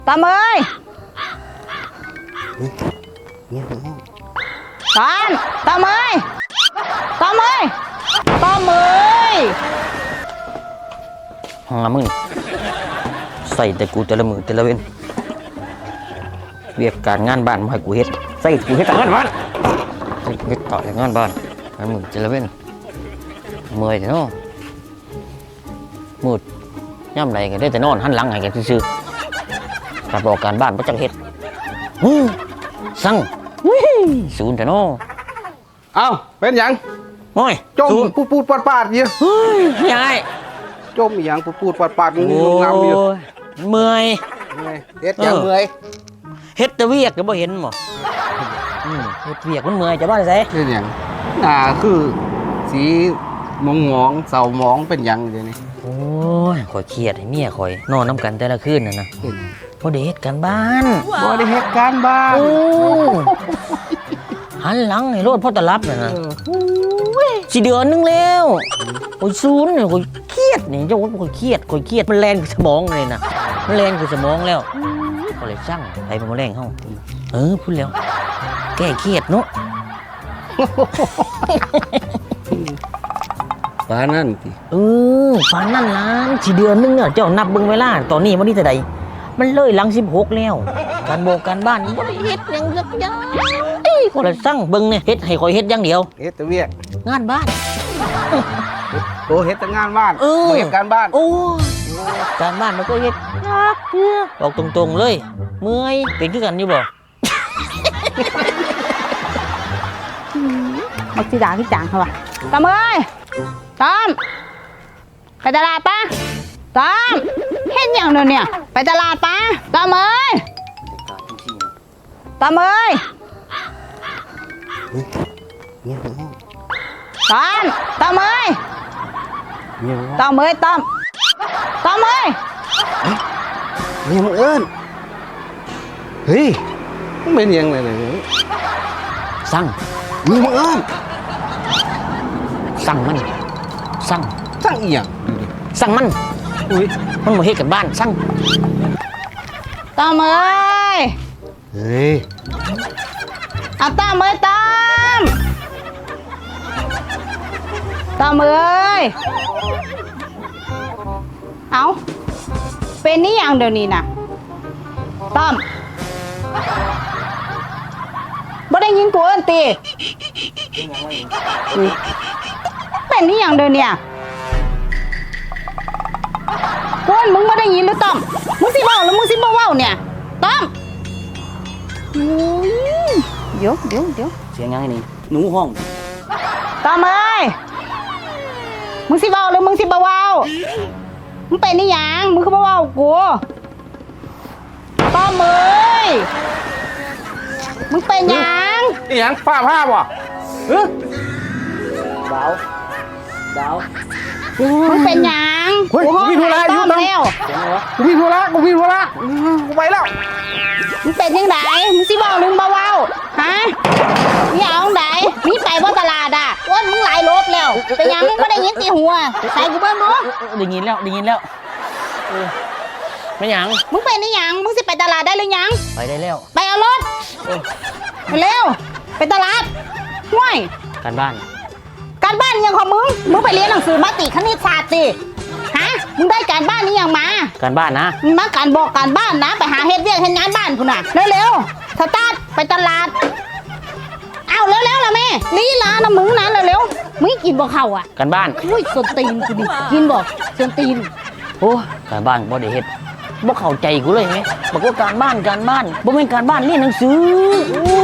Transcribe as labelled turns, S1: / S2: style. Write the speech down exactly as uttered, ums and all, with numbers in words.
S1: ตามเอ้ยตามตามเอ้ยตามเอ้ยตามเอ้ย
S2: หามึงใส่แต่กูแต่ละมือแต่ละเว้นเวียกการงานบ้านมาให้กูเฮ็ดใส่กูเฮ็ดแต่งานบ้านใส่กูเฮ็ดต่อแต่งานบ้านแต่มือแต่ละเว้นเมื่อยเนาะมืดย่ำไรกันได้แต่นอนหันหลังให้กันซื่อๆการบอกการบ้านบ่จักเฮ็ดสั่งศูนย์แต่เนาะ
S3: เอ้าเป็นหยัง
S2: โอ้ย
S3: จมปูดปูดปาดปาดเยอะ
S2: เฮ้ยยาย
S3: จมอีหยังปูดปูดปาดปาดนี่
S2: โอ้
S3: ลงน้ำเยอะ
S2: ยเมื่อย
S3: เฮ็ดหยังเมื่อย
S2: เฮ็ดแต่เวียกก็บ่เห็นบ่อืมเฮ็ดเวียกมันเมื่อยจะบ้าได้ไส
S3: เฮ็ดหยังหน้าคือสีมองมองเศร้ามองเป็นหยังเดี๋ยวนี้
S2: โอ้ยข่อยเครียดให้เมียข่อยนอนน้ำกันแต่ละคืนน่ะนะ
S3: เป็น
S2: บ่ได้เฮ็ดกันบ้าน
S3: บ่ได้เฮ็ดการบ้าน
S2: โอ้หันหลังให้โลดพ่อตะรับน่ะนะสิเดือนนึงแล้วโอ้ยศูนย์เนี่ยข่อยเครียดนี่เจ้าว่าข่อยเครียดข่อยเครียดมันแล่นขึ้นสมองเลยนะมันแล่นขึ้นสมองแล้วก็เลยสั่งไปเป็นมะเร็งเฮาเออพูดแล้วแก้เครียดเนาะ
S3: ปานนั่นติ
S2: เออปานนั่นล้านสิเดือนนึงเนี่ยเจ้านับเบิ่งเวลาตอนนี้วันนี้เท่าใดมันเลยหลังสิบหกแล้วการบอกการบ้านบ่ได้เฮ็ดหยังสักอย่างเอ้ยคนละสั่งเบิ่งเนี่ยเฮ็ดให้ข่อยเฮ็ดอย่างเดียว
S3: เฮ็ดแต่เวียก
S2: งานบ้าน
S3: โตเฮ็ดแต่งานบ้าน
S2: เออ
S3: บ่เฮ็ดการบ้าน
S2: โอ้การบ้านมันก็เฮ็ดยากเด้อบอกตรงๆเลยเมื่อยเป็นคือกันอยู่บ่
S1: มักสิด่าพี่จางเขาว่ะตามเอ้ยตามไปตลาดปะตามเห็นอย่างเดียวเนี่ยไปตลาดปะตามเอ้ยตามเอ้ยตามตามเอ้ยตามเอ้ยตามตามเอ้ย
S3: เนี่ยมึงเอิ้นเฮ้ยมันเป็นหยังไงเนี่ย
S2: สั่ง
S3: นี่มึงเอิ้น
S2: สั่งมันสั่ง
S3: สั่งอีหยัง
S2: สั่งมัน
S3: อุ้ย
S2: มันบ่เฮ็ดกันบ้านสั่ง
S1: ตามเอ้ย
S3: เฮ้ย
S1: เอาตามเอ้ยตามตามเอ้ยเอาเป็นนี่อย่างเดี๋ยวนี้นะต้อมบ่ได้ยินกูเอิ้นตีเป็นนี่อย่างเดี๋ยวเนี่ยกูเอิ้นมึงบ่ได้ยินหรือต้อมมึงสิเว้าหรือมึงสิบ่เว้าเนี่ยต้อมอืมเดี๋ยวเดี๋ยวเดี๋ยว
S2: เสียงยังไงนี่หนูห้อง
S1: ต้อมเอ้ยมึงสิเว้าหรือมึงสิบ่เว้ามึงเป็นนี่หยังมึงคือบ่เว้ากูต้อมเอ้ยมึงเป็นหยัง
S3: อีหยังฟ้าภาพวะเออ
S2: ดาวดาว
S1: มึงเป็นหยัง
S3: เฮ้ย
S1: กูห้อง
S3: มีธุระ
S1: หา
S3: อยู่
S1: ต้อม
S3: ต้อง
S1: แล้ว
S2: เสียงอะไรวะ
S3: กูมีธุระกูมีธุระอืมกูไปแล้ว
S1: มึงเป็นยังไงมึงสิเว้าหรือมึงบ่เว้าฮะมึงอยากเอาไหนมึงไปบ่ตลาดอ่ะอ้วนมึงหลายรถแล้วเป็นหยังมึงบ่ได้ยินตีหัวใส่กูเบิ่งดู
S2: ได้ยินแล้วได้ยินแล้วเออไม่หยัง
S1: มึงเป็นนี่หยังมึงสิไปตลาดได้หรือยัง
S2: ไปได้แล้ว
S1: ไปเอารถเร็วไปตลาดห่วย
S2: การบ้าน
S1: การบ้านยังของมึง มึงไปเรียนหนังสือมาติคณิตศาสตร์สิฮะ มึงได้การบ้านนี้ยังมา
S2: การบ้านนะ
S1: มึงมาการบอกการบ้านนะ ไปหาเฮ็ดเวียกเฮ็ดงานบ้านพุ่นน่ะ เร็วๆสตาร์ทไปตลาด เอาเร็วๆล่ะแม่ลีลานะมึงนะเร็วๆมึงกินบ่เข้าอ่ะ
S2: การบ้าน
S1: อุ้ยส้นตีนกูดิ กินบ่ส้นตีน
S2: โอ้การบ้านบ่ได้เฮ็ดบ่เข้าใจกูเลยไหมบอกว่าการบ้านการบ้านบ่แม่นการบ้านเรียนหนังสือ
S1: อุ้